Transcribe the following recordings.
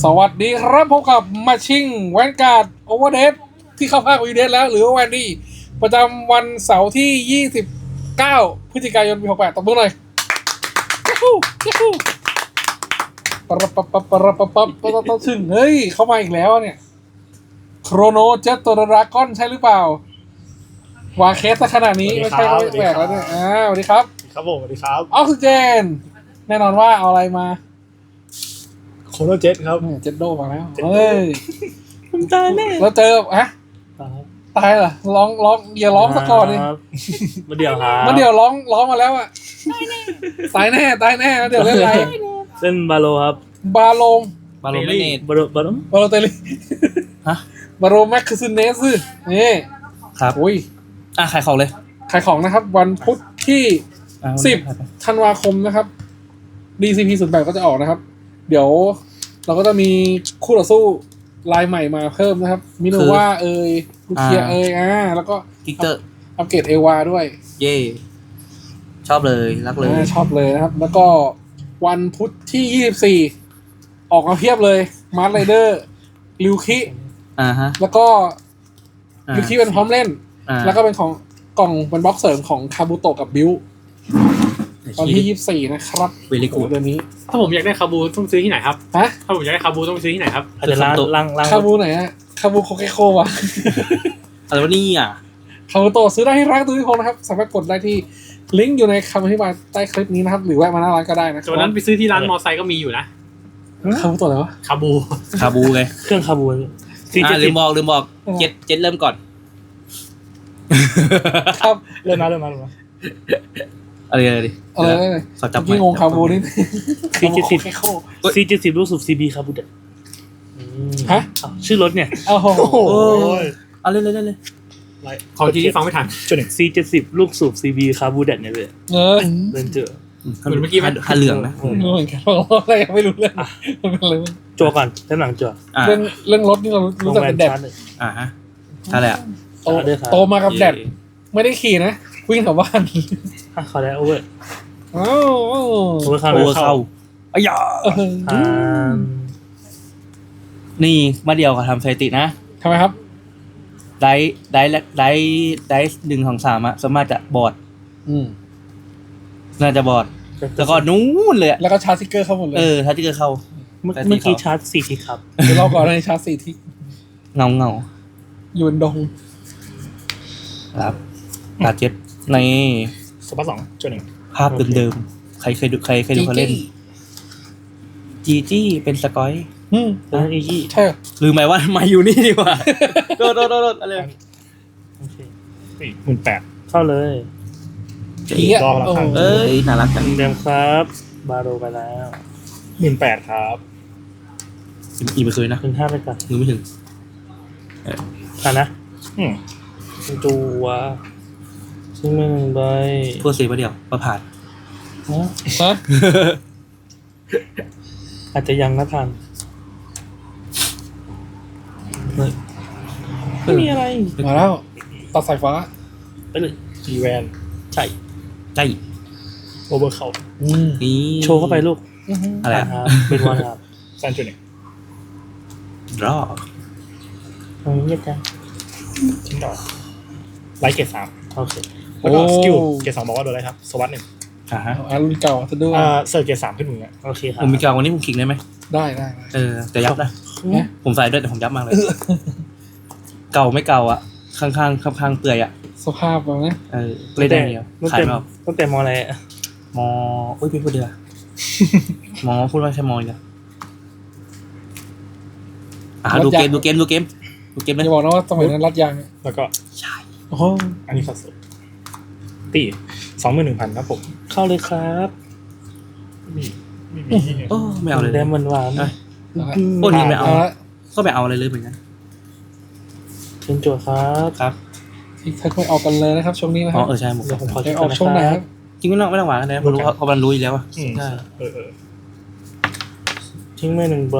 สวัสดีครับพบกับมาชิงแวนการ์ดโอเวอร์เดทที่เข้าภาควีเดทแล้วหรือว่าแวนดี้ประจำวันเสาร์ที่ 29 พฤศจิกายน ปี 68ตบมือหน่อยปะปะปะปะปะปะปะปะปะถึงเฮ้ยเข้ามาอีกแล้วเนี่ยโครโนเจ็ตตัวดราก้อนใช่หรือเปล่าวางเคสซะขนาดนี้ไม่ใช่ก็แปลกแล้วเนี่ยสวัสดีครับครับผมสวัสดีครับออกซิเจนแน่นอนว่าเอาอะไรมาโคโนเจ็ตครับเจ็ดโดมาแล้วเฮ้ยผมตายแน่แล้วเจอฮะตายเหรอร้องอย่าร้องสักก่อนดิมาเดี๋ยวครับมาเดี๋ยวร้องมาแล้วอ่ะตายแน่มาเดี๋ยวเล่นอะไรเล่นบาโลครับบาโลไม่เนตบาโลเตลิฮะบาโลแม็กซ์ซูเนสนี่ครับอุ้ยขายของเลยขายของนะครับวันพุธที่10 ธันวาคมนะครับ DCP 08ก็จะออกนะครับเดี๋ยวเราก็จะมีคู่ต่อสู้ลายใหม่มาเพิ่มนะครับมิโนวาลูเคียแล้วก็กิกเตอร์อัปเกรดเอวาด้วยเย่ชอบเลยรักเลยชอบเลยนะครับแล้วก็วันพุธที่24ออกมาเพียบเลยมาร์ทไรเดอร์ลิวคิแล้วก็ลิวคิเป็นพร้อมเล่นแล้วก็เป็นของกล่องเป็นบล็อกเสริมของคาบุโตะกับบิวตอนที่24นะครับเวลิกูเดือนนี้ถ้าผมอยากได้คาบูต้องซื้อที่ไหนครับฮะถ้าผมอยากได้คาบูต้องซื้อที่ไหนครับอาจจะล้างคาบูไหนอะคาบูโคเกโควะอะไรวะนี่คาบุโตะซื้อได้ที่ร้านตุ้ยพงนะครับสามารถกดได้ที่ลิงก์อยู่ในคำอธิบายใต้คลิปนี้นะครับหรือแวะมาหน้าร้านก็ได้นะวันนั้นไปซื้อที่ร้านมอไซค์ก็มีอยู่นะคาบุโตะอะไรวะคาบูไงเครื่องคาบูลืมบอกเจ็ดเริ่มก่อนครับเริ่มมาอะไรดิขอจับพี่งงคาบูนี่ 470ลูกสูบ CB คาบูเด็ดฮะชื่อรถเนี่ยโอ้โหเอาเลยขอทีที่ฟังไม่ทัน 470ลูกสูบ CB คาบูเด็ดเนี่ยเลยเดินเจอเหมือนเมื่อกี้มันเหลืองนะเหมือนกันอะไรยังไม่รู้เรื่องมันเป็นอะไรจั่วก่อนด้านหลังจั่วเรื่องรถนี่เรารู้จักเป็นแดดฮะอะไรอ่ะโตมากับแดดไม่ได้ขี่นะวิ่งแถวบ้านขอได้โอเวอร์โอ้โอเวอร์เข้าอ้ยนี่มาเดียวกับทำสถิตินะทำไมครับได้1-2-3สามารถจะบอดน่าจะบอดแล้วก็นู้นเลยแล้วก็ชาร์จสติ๊กเกอร์เข้าหมดเลยชาร์จสติ๊กเกอร์เข้าเมื่อกี้ชาร์จ4ทิกครับเดี๋ยวเราก่อนในชาร์จ4ทิกเงาอยู่บนดงครับตาเจ็ดในสปา2 ภาพเดิมๆใครเคยดูเขาเล่นจีเป็นสกอยจีใช่ลืมไหมว่ามาอยู่นี่ดีกว่าโดดอะไรโอเค 18,000เข้าเลยรอแล้วครับน่ารักจังเดิมครับบาโรไปแล้ว 18,000ครับอีกไม่เคยนะ 15,000ไปก่อนมือไม่ถึงนะตัวซึ่งมันใบพวกเสียมาเดียวมาผ่านอาจจะยังนะทันไม่มีอะไรมาแล้วตัดสายฟ้าไปเลยจีแวนใช่โอเวอร์เขานี่โชว์เข้าไปลูกอะไรครับเป็นวันครับ 3.1 รอเงียบจังทิ้งดอกไลท์เกต3 โอเคแล้วก็สกิลเกต2บอกว่าโดนอะไรครับสวัสดิ์1 รุ่นเก่าจะดูเสิร์ฟเกต3ขึ้นมือโอเคครับผมมีเก่าวันนี้ผมขิงได้ไหมได้แต่ยับนะผมใส่ด้วยแต่ผมยับมากเลยเก่าไม่เก่าข้างเปื่อยสภาพแบบนี้เลยได้เดียวขายไม่ออกตั้งแต่มอะไรมพี่พูดเดือมพูดว่าใช่มอีกดูเกมเลยจะบอกนะว่าสมัยนั้นรัดยางแล้วก็ใช่อันนี้สดตี 21,000 ครับผมเข้าเลยครับไม่เอาเลยแดมหวานโอ้นี่ไม่เอาก็ไม่เอาอะไรเลยเหมือนกันเป็นโจทย์ครับที่ค่อยออกกันเลยนะครับช่วงนี้นะครับใช่ผมขอออกช่วงไหนครับจริงไม่ต้องหวานนะเพราะมันรู้อยู่แล้วใช่ทิ้งไม่1ใบ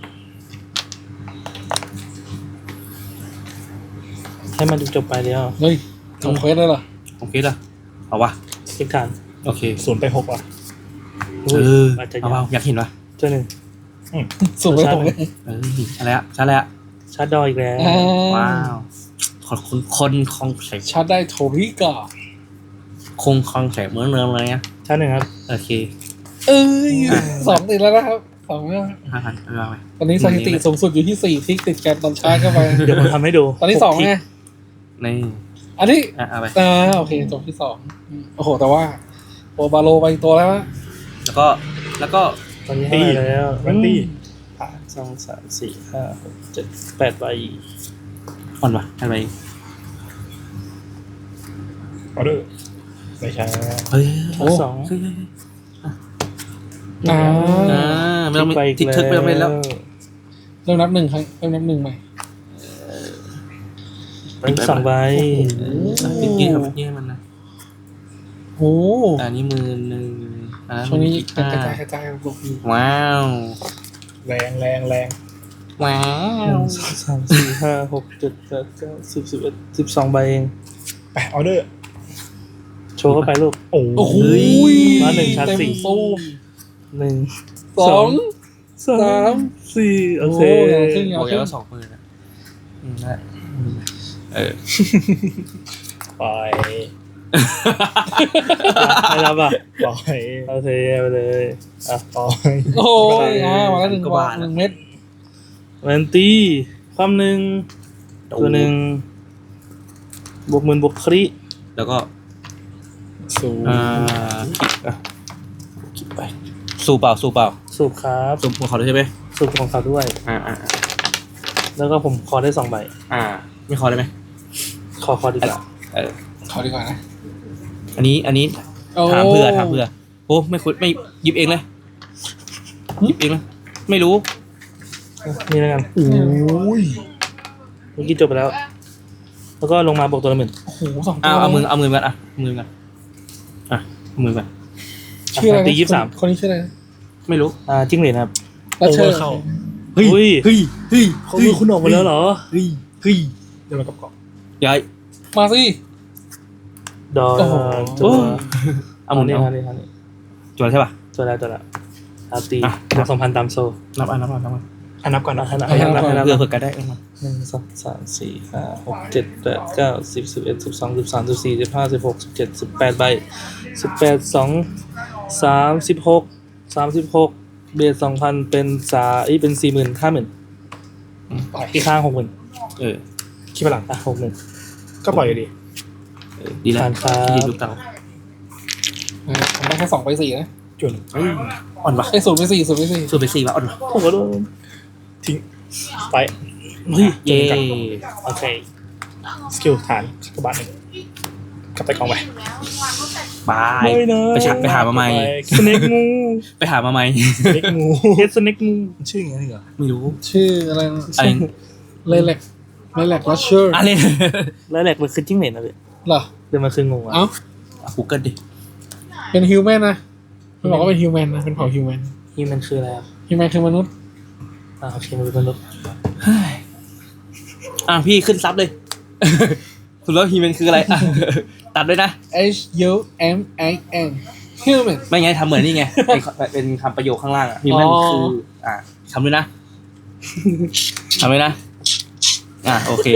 ให้มันจบไปแล้วเฮ้ยทำเควสได้เหรอโอเคล่ะเอาวะเช็คฐานโอเค 0 ไป 6ว่ะเอาอยากเห็นวะเจ้าหนึ่งสูงไปผมเลยใช่แล้วใช่แล้วชาร์จดอยอีกแล้วว้าวขอบคุณคนคลองแสงชาร์จได้โทริกาคงคลองแสงเหมือนเดิมเลยนะชาร์จหนึ่งครับโอเคเอ้ย2 ติดแล้วนะครับ2แล้ว 5,000เอาไปตอนนี้สถิติสูงสุดอยู่ที่4ทิกติดกันตอนชาร์จเข้าไปเดี๋ยวผมทำให้ดูตอนนี้2ไงนี่อันนี้เอาไปโอเคจบที่2โอ้โหแต่ว่าโอบาโลไปตัวแล้วแล้วก็ตอนนี้ให้มาแล้วสองสามสี่ห้าหกเจ็ดแปดใบอ่อนวะอะไรออเดอร์ไม่ใช่เฮ้ยสองอ่าไม่ต้องไปทิกทึกไปต้องเล่นแล้วเริ่มนับ 1 ครั้งเริ่มนับ 1ใหม่เป็น2 ใบปิดกี้ครับปิดกี้ให้มันนะโอ้อันนี้10,000 ช่วงนี้ก 15 ระจายลูกดีว้าวแรงว้าหนึ่วงสองสามสี่ห้าหกเจ็ดแปดเก้าสิบ11 12 ใบเองไปออเดอร์โชว์เข้าไปลูกโอ้โอ้โหมา1ชาร์จเต็ม 4 ตู้ 1 2 3 4โอเคขึ้นบอกแล้วว่า20,000นะได้ปล่อยไม่รับอ่ะปล่อยโอเคไปเลยอ่ะปล่อยโอ้ยมาแล้ว1 บาท 1 เม็ดแวนตี้ความหนึ่งตัวหนึ่งบวกหมื่นบวกคริแล้วก็สูงคิดไปสู้เปล่าสูบครับสู้ขอด้วยใช่ไหมสูบของเขาด้วย แล้วก็ผมขอได้2 ใบไม่ขอได้ไหมขอดีกว่าขอดีกว่านะอันนี้ถามเพื่อโอ้ไม่หยิบเองเลยหยิบเองเลยไม่รู้นี่แล้วกันโอ้ยเมื่อกี้จบไปแล้ว แล้วก็ลงมาบวกตัวละ10,000 โอ้โห2 ตัวเอามือกันมือกันเอามือกันชื่ออะไรนะตี23 คนนี้ชื่ออะไรนะไม่รู้จิ้งเหลนครับรัชเชอร์เฮ้ยเขามือคุณออกมาแล้วเหรอเฮ้ยเดี๋ยวมากับเกาะย้ายมาสิดอโอ้โหตัวเอาหมุนนี่เอานี่จวนใช่ป่ะตัวแล้วตีอ่ะบวก2,000ตามโซนับนับก่อนนะนับเพื่อกันได้ 1 2 3 4 5 6 7 8 9 10 11 12 13 14 15 16 17 18 ใบ18 2 36เบส 2,000 เป็นเป็น 40,000 50,000 อีกข้าง 60,000 คิดไปหลัง60,000 ก็ปล่อยอยู่ดีดีแล้วผ่านครับที่ลูกเต่าผมได้แค่2 ไป 4 นะจุนอ่อนปะไอ้0 ไป 4 0 ไป 4 สูบไป4ป่ะอ่อนปะผมก็โดนทิ้งไปเย่โอเค สกิลฐานกระบาดหนึ่งกลับไปกองไปบายไปหามาใหม่สเน็กงูไปหามาใหม่สเน็กงูเฮดสเน็กงูชื่ออย่างนี้เหรอไม่รู้ชื่ออะไรนะอะไรเลเล็กรัชเชอร์อะไรแล้วแหลกมันคือจิ้งเหลนนะพี่เหรอเดี๋ยวมันคืองูอ่ะเอ้า Google ดิเป็นฮิวแมนนะมันบอกว่าเป็นฮิวแมนนะเป็นเผ่าฮิวแมนนี่มันคืออะไรครับฮิวแมนคือมนุษย์โอเคมันเป็นมนุษย์พี่ขึ้นซับเลย คุณรู้ฮีแมนคืออะไร ตัดด้วยนะ HUMAN human ไม่ไงทำเหมือนนี่ไง เป็นคำประโยคข้างล่างอ่ะฮีแมนคือทำด้วยนะทำด้วยนะโอเค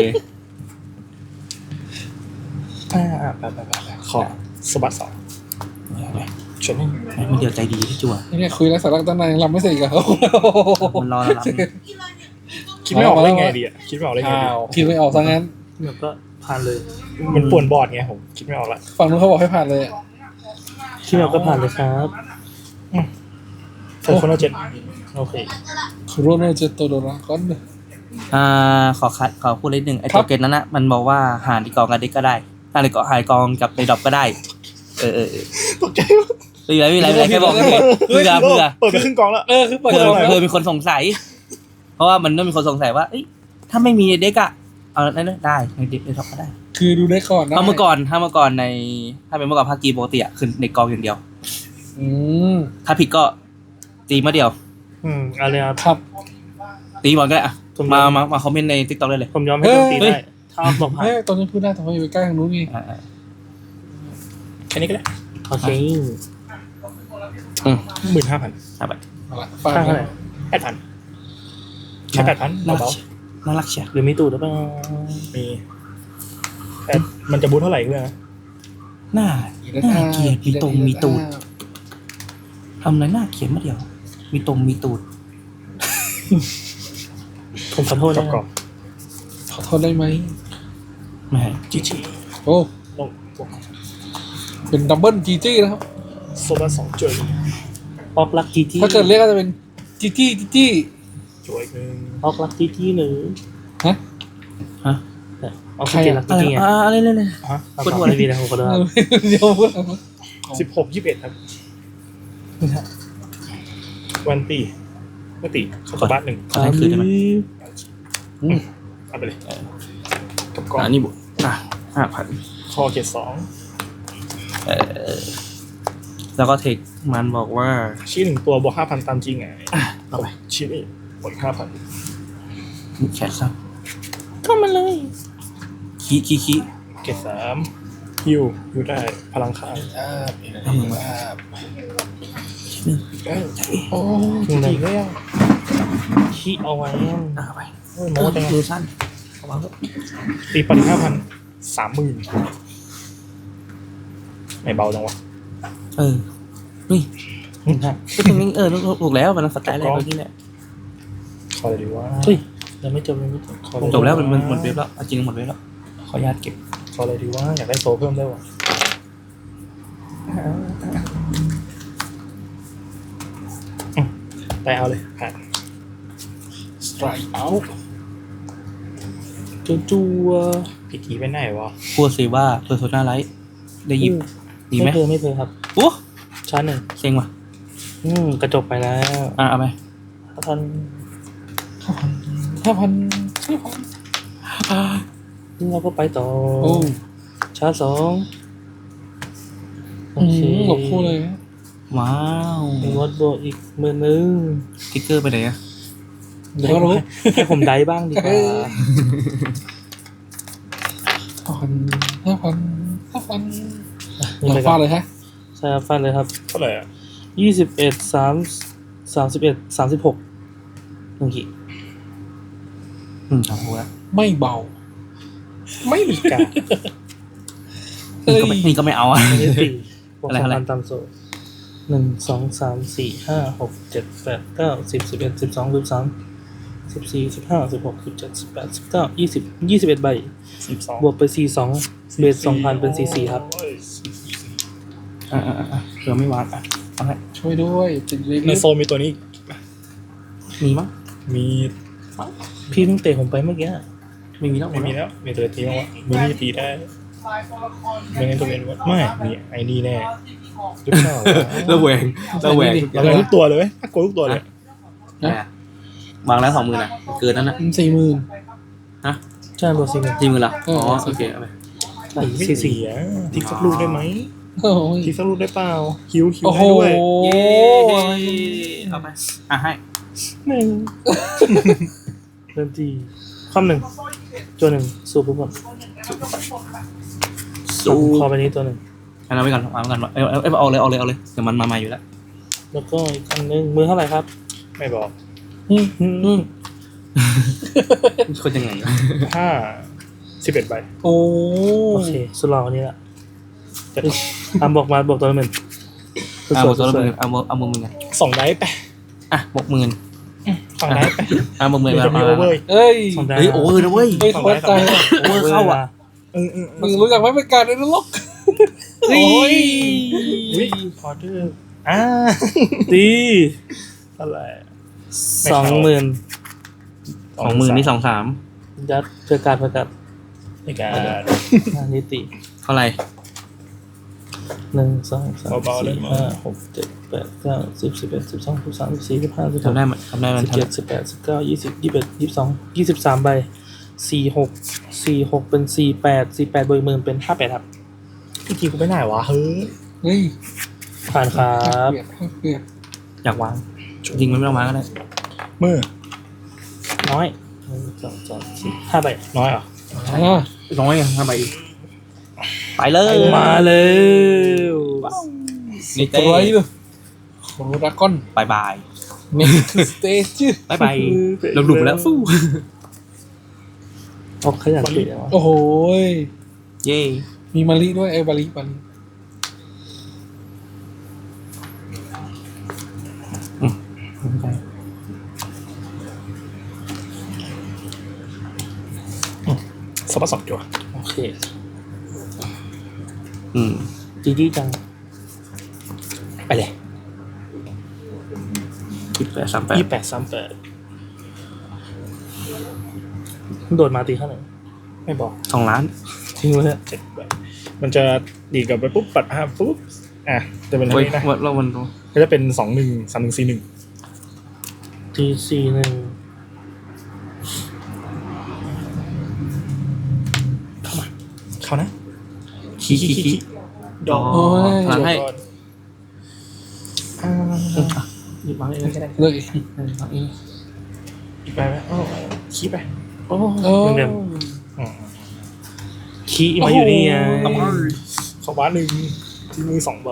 ไปขอสบัดสองชนมันเดียวใจดีที่จั่วนี่คุยแล้วสาระตั้งนานยังรำไม่เสร็จอีกเหรอมันรอแล้วคิดไม่ออกได้ไงดีอ่ะคิดไม่ออกได้ไงอ้าดีวคิดไม่ออกซะงั้นแบบก็ผ่านเลย มันป่วนบอร์ดไงผมคิดไม่ออกละฝั่งนู้นเขาบอกให้ผ่านเลยอะคิดไม่ออกก็ผ่านเลยครับเฟอร์โคโนเจ็ดโอเคโรนัลเจโตโดราก้อนขอพูดเล็กหนึ่งไอ้ตัวเกตนั้นนะมันบอกว่าหารที่กองกันได้ก็ได้หารกองกับในดรอปก็ได้ตกใจไม่ไรแค่บอกเพื่อเปิดไปครึ่งกองแล้วคือเปิดเพื่อมีคนสงสัย เพราะว่ามันต้องมีคนสงสัยว่าถ้าไม่มีเด็กอะเอาได้ในเด็กในท็อปก็ได้คือดูได้ก่อนนะถ้าเมื่อก่อนถ้าเป็นเมื่อก่อนภาคกีปกติอะคือในกองอย่างเดียวถ้าผิดก็ตีมาเดียวอะไรครับตีบอลก็ได้อะมาคอมเมนต์ใน TikTok ได้เลยผมยอมให้โดนตีได้ถ้าตกผ่านเฮ้ยตอนนี้พูดได้แต่ว่าอยู่ใกล้ทางนู้นไงแค่นี้ก็ได้โอเค15,000 ครับฟังข้างเท่าไหร่ 8,000ใช้8,000 น่ารัเบากน่ารักเชียวหรือมีตูดหรือเปล่าๆมีแต่มันจะบูทเท่าไหร่เพื่อนน่าเกลียดมีตรงมีตูดทำอะไรน่าเกลียดมาเดียว มีตรงมีตูดผมขอโทษกรนะอบขอโทษได้ไหมไม่ให้ๆจีจีโอ้ลงบวกเป็นดับเบิลจีจี้นะครับโซบา2จุดออกลักกี้ที่ถ้าเกิดเรียกก็จะเป็นจีจี้จีจี้จุดอีกหนึ่งออกลักกี้ที่หนึ่งฮะฮะออกกี้ลักอะไรกี้ไงอะไรเลยฮะปวดหัวเลยพี่นะผมขอโทษครับเดี๋ยวพูดอะไรวะ 16 21ครับวันตีไม่ตีเข้าตัวบ้านหนึ่งขอให้คืนได้ไหมเอาไปเลยกับกองอันนี้บุ5,000 คอเกตแล้วก็เทคมันบอกว่า 2ชี้1ตัวบวก 5,000 ตามจริงไงเอาไปชี้นี่บวก5,000 แขนซ้ำก็มาเลยขี้เกต3ฮิวอยู่ได้พลังข้างเอามือมาโอ้จริงๆแล้วขี้เอาไว้เอาไปโม้แต่มือสั้นเอาวางตีปัน5,000 30,000ไม่เบาจังวะนี่ก็ตรงนี้ถูกแล้วมันสไตล์แรกเมื่อกี้เนี่ยคอเลยดีว่าเฮ้ยยังไม่จบยังไม่จบจบแล้วมันหมดเว็บแล้วจริงหมดเว็บแล้วขออนุญาตเก็บคอเลยดีว่าอยากได้โซเพิ่มได้วะแต่เอาเลยผ่านสไตร์เอาจัวพิธีไปไหนวะพูดสิว่าเพอร์โซนาไลท์ได้หยิบดีไหมไม่เคยครับโอ้ชาร์จหนึ่งเซ็งว่ะกระจกไปแล้วเอาไปท่าน 5,000 นี่เราก็ไปต่อโอ้ชาร์จ2โอเคหลบคู่เลยนะว้าวมีวอดโบอีก10,000 ทิกเกอร์ไปไหนอะเดี๋ยวก็รู้ให้ผมได้บ้างดีกว่า 5,000 นี่ไปฟาก่อนดเลยฮะใช่ครับฟันเลยครับเท่าไหร่อ่ะ 31 1ขีดทำหัวไม่เบาไม่มีการนี่ก็ไม่เอาอ่ะอันนี้4บวกอะไรอะไร 2,000ตามโซ่1 2 3 4 5 6 7 8 9 10 11 12 13 14 15 16 17 18 19 20 21ใบ 12 บวกไป42เบส 2,000 เป็น44ครับเผื่อไม่วาดเอาให้ช่วยด้วยติดเล็กในโซนมีตัวนี้มีมั้งมีพี่เพิ่งเตะผมไปเมื่อกี้ไม่มีแล้วไม่มีแล้วมีตัวตีแล้ววะมีนี่ตีได้ไม่งั้นตัวเป็นวะไม่มีไอ้นี่แน่หรือเปล่าระแวงเราได้ทุกตัวเลยไหมถ้ากดทุกตัวเลยวางแล้ว20,000นะเกินนั้นนะ 40,000 ใช่บวก40,000 40,000ละอ๋อโอเคเอาไปไม่เสียทิกสักลูกได้ไหมโอ้ยทิกสักลูกได้เปล่าคิวโอ้โหได้ด้วยเย้เอาไปให้หนึ่งเริ่มที่ข้อหนึ่งตัวหนึ่งสูบปุ๊บก่อนสู้คอไปนี้ตัวหนึ่งเอาไว้ก่อนวางไว้ก่อนเอาเลยเดี๋ยวมันมาใหม่อยู่แล้วแล้วก็อีกอันหนึ่งมือเท่าไหร่ครับไม่บอกคนยังไง 11 ใบโอ้โอเคสุดหล่อคนนี้ละบอกมาบอกตัวละ10,000 เอาตัวละ10,000เอามือไง 2 ได้ไปบวก10,000 2 ได้ไปบวก10,000 มันจะมีโอเวอร์เอ้ย 2ได้เฮ้ยโอเวอร์นะเว้ยไม่เข้าใจว่ะโอเวอร์เข้าอ่ะมึงรู้จักไหมเป็นการในนรกเฮ้ยวิพอเดอร์ตีเท่าไหร่ 20,000 20,000นี่23 ยัดเพื่อการในการอันนี้ตีเท่าไหร่ 1 2 3 4 5 6 7 8 9 10 11 12 13 14 15 16 ทำได้มัน 17 18 19 20 21 22 23ใบ46เป็น48บวก10,000เป็น58ครับพี่ทีกูไปไหนวะเฮ้ยเฮ้ยผ่านครับเปลี่ยนอยากวางจริงมันไม่ต้องวางก็ได้มือน้อย1 2 3 4 5ใบน้อยเหรอน้อย5ใบไปเลยมาเลยนี่ตัวไรเลยโคโรดากอนบาย next stage บายบายลงหลุมแล้วฟู้ออกขยันเตะวะโอ้โหยเย้มีมาลิด้วยบาลิสปัสสองจั่วโอเคมจีจังไปเลย 2838 2838 โดดมาตีข้างไหนไม่บอก 2 ล้านทิ้งไว้เนี่ย 7 ใบมันจะดีดกลับไปปุ๊บปัดปุ๊บจะเป็นอะไรเฮ้ยนะว่าเรามันก็จะเป็น213141 ที41 เขานะขี้ดอกโอ้ยพลังให้หยิบมาเลยก็ได้เลยอีกใบไหมขี้ไปโอ้โอ้เดิมขี้มาอยู่นี่ไงสองบ้านหนึ่งทิ้งมือ2 ใบ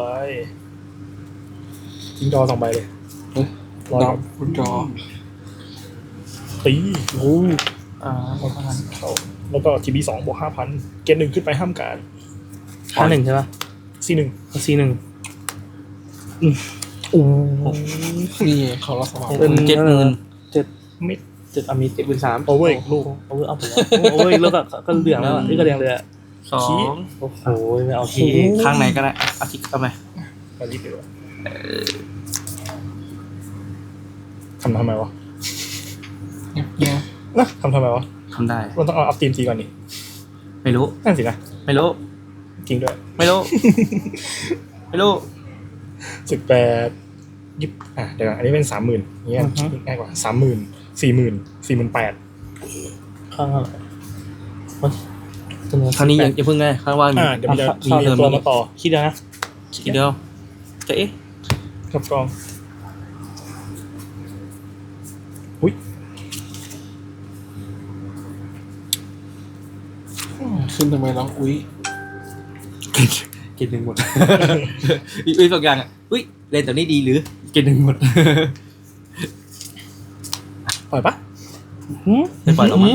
ทิ้งดอ2 ใบเลยดอกคุณจอตีโอ้เขาแล้วก็ทีบี2 บวก 5,000 เกณฑ์ 1ขึ้นไปห้ามการ 51ใช่ป่ะ C1 C1 นี่เขารับสมัครเป็น 70,000 มิด 7อามิต 73,000 โอเวอร์อีกลูกโอเวอร์เอาไปแล้วโอเวอร์อีกแล้วก็เหลืองแล้วนี่ก็แดงเลยอ่ะขี้ 2 โอ้โหไม่เอาขี้ข้างไหนก็ได้อาทิตย์เข้าไปมาลิดเดี๋ยวทำไมวะเนี่ยนะทำไมวะทำได้มันต้องเอาอัพทีมทีก่อนนี่ไม่รู้นั่นสินะไม่รู้จริงด้วยไม่รู้ ไม่รู้ 18ยิบเดี๋ยวก่อนอันนี้เป็น 30,000เนี่ยง่ายกว่า 30,000 40,000 48,000 ข้างอะไรครั้งนี้ยังเพิ่งไงข้างว่ามีเดี๋ยวมันจะมีมีตัวมาต่อขี้เดียวนะทีเดียวจะเอ๊ะกับกองอุ้ยขึ้นทำไมร้องอุ้ยกินหนึ่งหมด อุ้ยสองอย่างอ่ะอุ้ยเล่นตัวนี้ดีหรือกินหนึ่งหมดปล่อยปะไม่ปล่อยหรอกมั้ง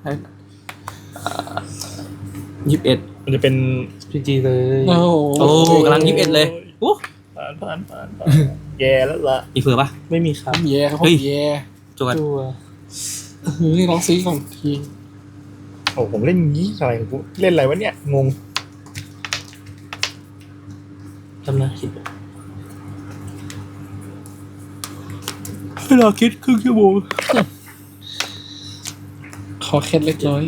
21 มันจะเป็นพีจีเลยโอ้โอ้กำลัง21เลยโอ้ผ่านแย่แล้วล่ะมีเฟือปะไม่มีครับแย่ครับผเฮ้มยแย่จวดตัวนี่ร้องซีก่อนทีโอ้ผมเล่นงี้อะไรของกูเล่นอะไรวะเนี่ยงงจำนะคิดเวลาคิดครึ่งชั่วโมงขอเคล็ดเล็กน้อย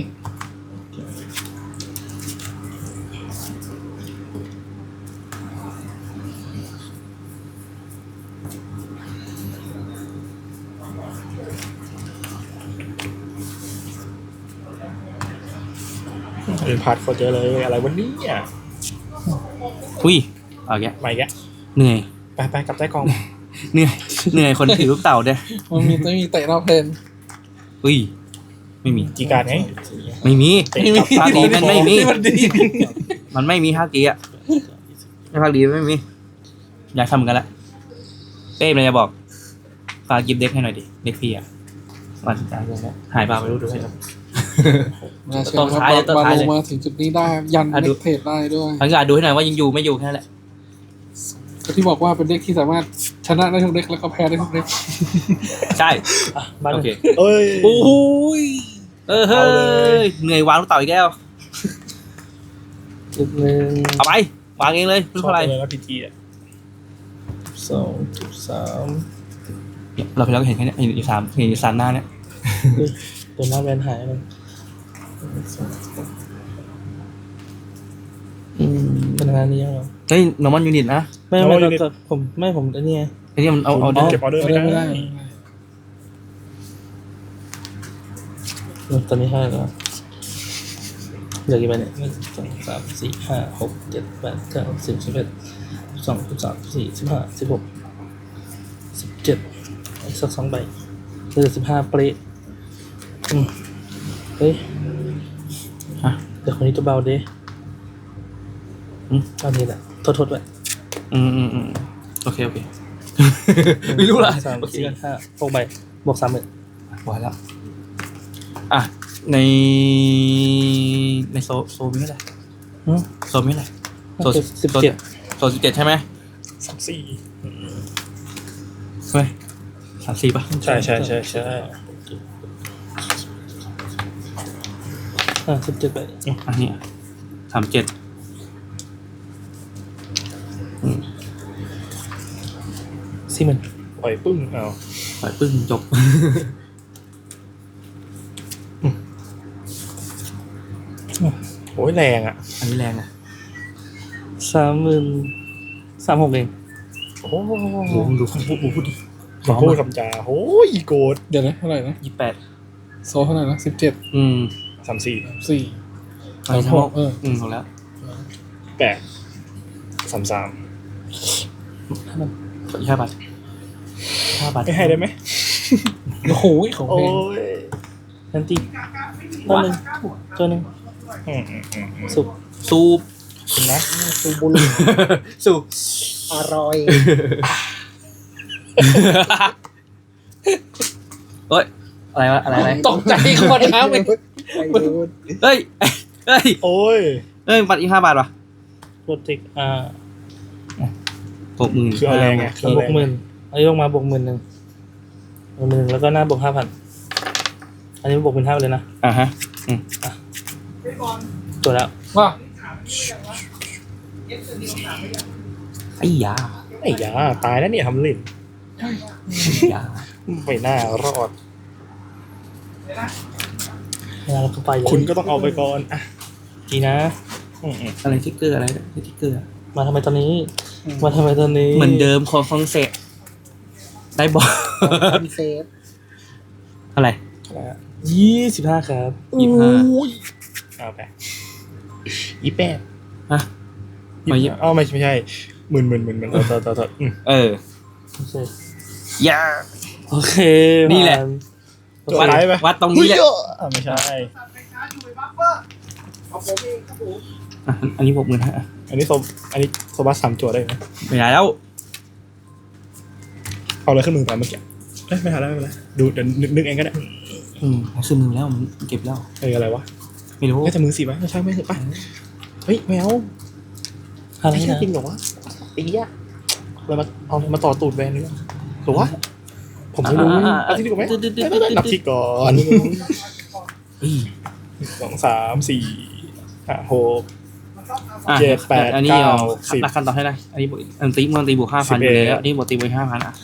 เป็นพาร์ทเขาเจอเลยอะไรวันนี้อ่ะอุ้ยเอาแกไม่แกเหนื่อยไปกลับใต้กองเหนื่อยคนถือลูกเต่าเนี่ยมันมีเตะรอบเพลนอุ้ยไม่มีจีการไงไม่มีเตะกลับภาคดีมันไม่มีมันดีมันไม่มีภาคดีอ่ะไม่ภาคดีไม่มี อยากทำเหมือนกันละเป้มันจะบอกฝากกิฟต์เด็กให้หน่อยดิเด็กพี่อ่ะวันหายไปไม่รู้ดูให้ครับน่าเชื่ต้อนท้ายเลยว่าต้นท้ายลเลยงมาถึงจุดนี้ได้ยันอ่ะเน็ดูกเทรดได้ด้วยทังการดูให้หน่อยว่ายังอยู่ไม่อยู่แค่นั้นแหละก็ที่บอกว่าเป็นเด็กที่สามารถชนะได้ทุกเด็กแล้วก็แพ้ได้ทุกเด็กใช่บ้านโอเคเอ้ยโอ้ยเฮ้ยเหนื่อยวางลูกเต่าอีกแล้วจุดหนึ่งเอาไปวางเองเลยไม่รู้เท่าไหร่เลยนะพีจีอ่ะ 2.3 เราไปแล้วก็เห็นแค่เนี้ยเห็นอีกสามหน้าเนี่ยตัวหน้าแวนหายเลยเป็นงานนี้ยังไงเฮ้ยนอร์มอนยูนิตนะไม่ผมอันนี้ไงไอ้นี่มันเอาเก็บออเดอร์ไม่ได้ตอนนี้เท่าไหร่แล้วเหลือกี่ใบเนี่ย1 2 3 4 5 6 7 8 9 10 11 12 13 14 15 16 17อีกสัก2 ใบเหลือ15เปรย์เฮ้ยฮะเดี๋ยวคนนี้ตัวเบาดิอืมตอนนี้แหละโทษไว้โอเคไม่รู้ละ 3 โอเค 4 5 6 ใบ บวก 30,000 พอแล้วอ่ะในโซมีเท่าไหร่หืมโซมีเท่าไหร่โซ 17 โซ17ใช่ไหม 34 ใช่ไหม34ป่ะใช่ใช่ใช่ใช่ 17 ใบอันนี้37 40,000 ปล่อยปึ้งเอาปล่อยปึ้งจบโอ้ยแรงอ่ะอันนี้แรงอ่ะ 36,000 เองโอ้โหโหดูคำพูดดิพูดคำจาโอ้ยอีโกดเดี๋ยวนะเท่าไหร่นะ 28 โซเท่าไหร่นะ17 34 4 ไปทั้งหมดเออถูกแล้ว 8 33 ขออีก5 บาท5 บาทไม่ให้ได้ไหมโอ้โหของโอ้เพลงยนันตีตัวหนึ่งตัวหนึ่ง สุกสูบคุณนะซูบุรุสูบอร่อยเฮ้ยอะไรตกใจขวดน้ำเลยเฮ้ยเฮ้ยโอ้ยบัตรอีก5 บาทว่ะโปรเทค 60,000 คือเอาแรงไงคือเอาบแรวกง 10,000อันนี้ลงมาบวก 10,000แล้วก็หน้าบวก 5,000 อันนี้บวกเป็น5เลยนะอ่ะฮะตัวแล้วว่าไอ้ยาไอ้ยาตายแล้วเนี่ยทำเล่นยาไม่น่ารอดแล้วก็ไปเลยคุณก็ต้องเอาไปก่อนอ่ะดีนะอะไรทิกเกอร์อะไรทิกเกอร์มาทำไมตอนนี้ มาทำไมตอนนี้เหมือนเดิมของฟองเศษได้บอกเซฟอะไร 25 ครับเอาไป28 ฮะไม่ใช่หมื่นต่อเออโอเคยาโอเคนี่แหละผ่านวัดตรงนี้แหละไม่ใช่อันนี้60,000ฮะอันนี้โซบัส3จั่วได้ไหมไม่ได้แล้วเอาเลยขึ้นมือไปเมื่อกี้ไม่ทันแล้วไม่เป็นไรดูเดี๋ยวนึกเองก็ได้ซื้อมือแล้วมันเก็บแล้วอะไรวะไม่รู้น่าจะมือ4ไหมไม่ใช่ไม่ใช่ป่ะเฮ้ยแมวอะไรไม่ใช่นะจริงเหรอวะตีอ่ะเราเอามาต่อตูดแวนนี่หรือวะผมไม่รู้เอาที่ดีกว่าไหมนับที่ก่อน 2 3 4 5 6 7 8 อันนี้เอา 9 10 นักขั้นต่อให้ได้อันนี้อันตีมันตีบวก 5,000 อยู่แล้วอันนี้บวกตีบวก 5,000 อ่ะ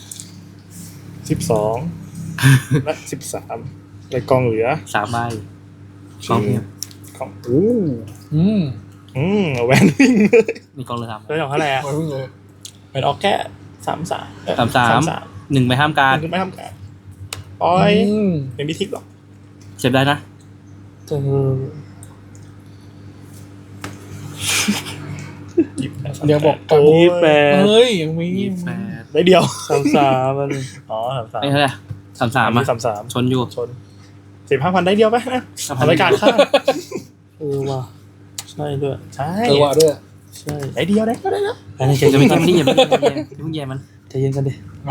12 และ 13ในกองเหลือ 3 ใบกองเพียบของแวนวิ่งเลยมีกองเลย3 เรื่องของเท่าไหร่อ่ะโอ้ยเลยแวนออกแค่33 1 ไปห้ามการคุณไม่ทำการปล่อยไม่มีทิกหรอกเจ็บได้นะเดี๋ยวบอกโอ้ย 28 เฮ้ยยังมีได้เดียว 33มันอ๋อไอ้เท่าไหร่33อ่ะ 33 ชนอยู่ชน 15,000 ได้เดียวไหมนะทำรายการค่าว่ะใช่ด้วยใช่ว่าด้วยใช่ได้เดียวได้ก็ได้นะอันนี้จะไม่แย่มันนี่อย่าเพิ่งแย่มันใจเย็นกันดิ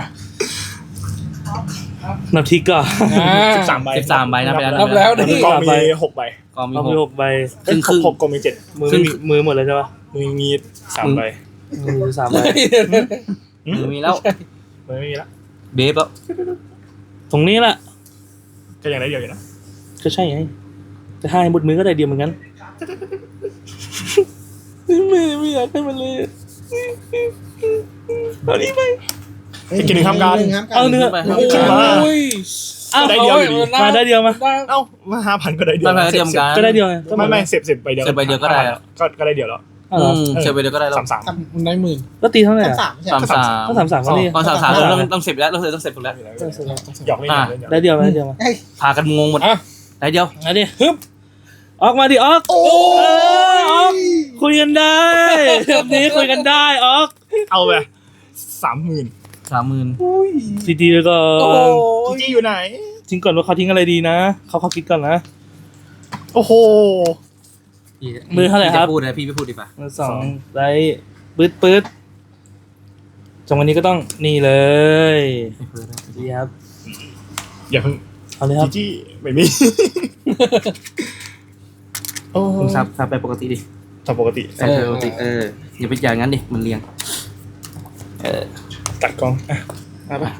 นับทีก่อน 13 ใบ 13 ใบนะไปแล้วนับแล้วกนี่องมี6 ใบกองมีเอาไป 6 6 ใบครึ่ง 6กองมี7 มือหมดเลยใช่ปะมือมี3 ใบมือ3 ใบมือมีแล้วมือไม่มีละเบฟแล้วตรงนี้แหละก็ยังได้เดียวอยู่นะก็ใช่ไงจะให้หมดมือก็ได้เดียวเหมือนกันไม่อยากให้มันเลยตอนนี้ไปกินหนึ่งทำการเอาเนื้อขึ้นมาอ้าวได้เดียวอยู่ดีมาได้เดียวมาเอ้ามา5,000 ก็ได้เดียวไม่เตรียมการก็ได้เดียวไงก็ไม่เสียบใบเดียวเสียบใบเดียวก็ได้อะก็ได้เดียวแล้วเอาเหรอเสียไปเดียวก็ได้แล้ว 33 มันได้หมื่นก็ตีเท่าไหร่อะ 33 ก็33ก็นี่ตอน33ต้องเสร็จแล้วต้องเสร็จถูกแล้วหยอกเล่นได้เดียวได้เดียวมาพากันงงหมดได้เดียวเอาดิฮึบออกมาดิออกโอ้ยออกคุยกันได้แบบนี้คุยกันได้ออกเอาไป30,000 30,000 ดีๆแล้วก็จีอยู่ไหนทิ้งก่อนว่าเขาทิ้งอะไรดีนะเขาคิดก่อนนะโอ้โหมือเท่าไหร่ครับพูดนะพี่ไม่พูดดีป่ะมือ2ได้ปื๊ดจังวันนี้ก็ต้องนี่เลยดีครับอย่าเพิ่งเอาเลยครับจีไม่มีโอ้คุณซับไปปกติดิทำปกติซับไปปกติอย่าไปอย่างนั้นดิมันเรียงตัดกล้องอ่ะมาปะ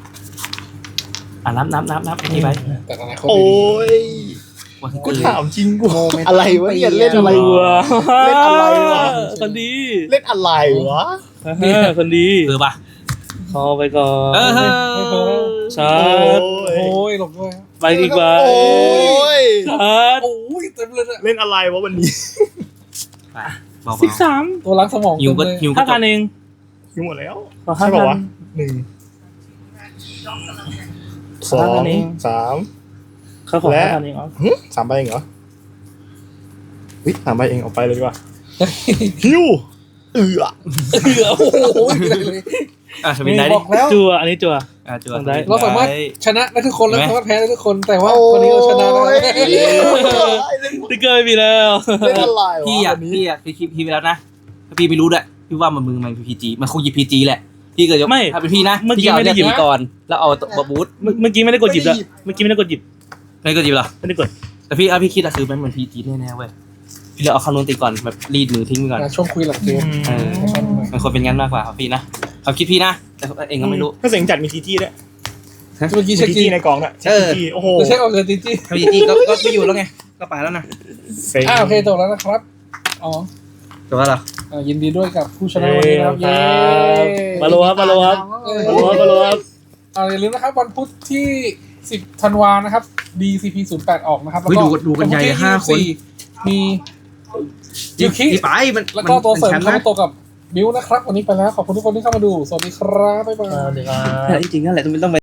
นับไอ้นี่ไปแต่อนาคตโอ้ดียวันที่กูเกิดถามจริงกูอะไรวะเนี่ยเล่นอะไรวะ เล่นอะไรวะคนดีเล่นอะไรวะคนดีป่ะเข้าไปก่อนไม่เพิ่มชาร์จโอ้ยหลบด้วยไปอีกใบโอ้ยชาร์จโอ้ยเต็มเลยอะเล่นอะไรวะวันนี้ไปเบา 13 ตัวล้างสมองๆหิวก็เต็มเลยหิวก็จบ 5,000เองยุ่งหมดแล้วขอใช่ป่าวะ 5,000 1 2 5,000 3 เขาขอและ 5,000เองเหรอ 3 ใบเองเหรอวิ3 ใบเองเอาไปเลยดีกว่าฮิวโอ้โหไม่ได้เลยสวินได้ดิบอกแล้วจัวอันนี้จัวจั่วได้เราสามารถชนะได้ทุกคนแล้วสามารถแพ้ได้ทุกคน แต่ว่าคนนี้เราชนะได้ติ๊กเกอร์ไม่มีแล้วเล่นอะไรวะพี่อ่ะวันนี้พี่อ่ะคลิปพี่ไปแล้วนะถ้าพี่ไม่รู้ด้วยพี่ว่ามันพีจีมันคงหยิบพีจีแหละพี่เกิดจะถ้าเป็นพี่นะพี่เอาเนี่ยหยิบก่อนแล้วเอาบูทเมื่อกี้ไม่ได้กดหยิบแล้วเมื่อกี้ไม่ได้กดหยิบไม่ก็หยิบหรอไม่ได้กดแต่พี่คิดอะคือมันเหมือนพีจีแน่ๆเว้ยพี่เลยเอาคำนวณตีก่อนแบบรีดมือทิ้งไปก่อนช่วงคุยหลังเกมมันควรเป็นงั้นมากกว่าพี่นะเขาคิดพี่นะแต่เองก็ไม่รู้ถ้าเสียงจัดมีทีจี้ด้วยเมื่อกี้มีเช็คทีจีจี้ในกองด้วยเออทีจี้โอ้โหเช็คเอาเงินจีจีถ้าพีจีก็ไม่อยู่แล้วไงก็ไปแล้วนะเซ็งโอเคจบแล้วนะครับอ๋อแต่ว่าเรายินดีด้วยกับผู้ชนะวันนี้นะครับเย้มาโลครับมาโลครับมาโลครับอย่าลืมนะครับวันพุธที่ 10 ธันวานะครับ DCP 08ออกนะครับแล้วเฮ้ยก็ดูกันใหญ่วันพุธที่ 5 คน 24มียูคิไปมันแล้วก็ตัวเสริมแชมป์คานะมาโตะกับบิวนะครับ วันนี้ไปแล้วขอบคุณทุกคนที่เข้ามาดู สวัสดีครับบ๊ายบายสวัสดีครับจริงๆนั่นแหละต้อง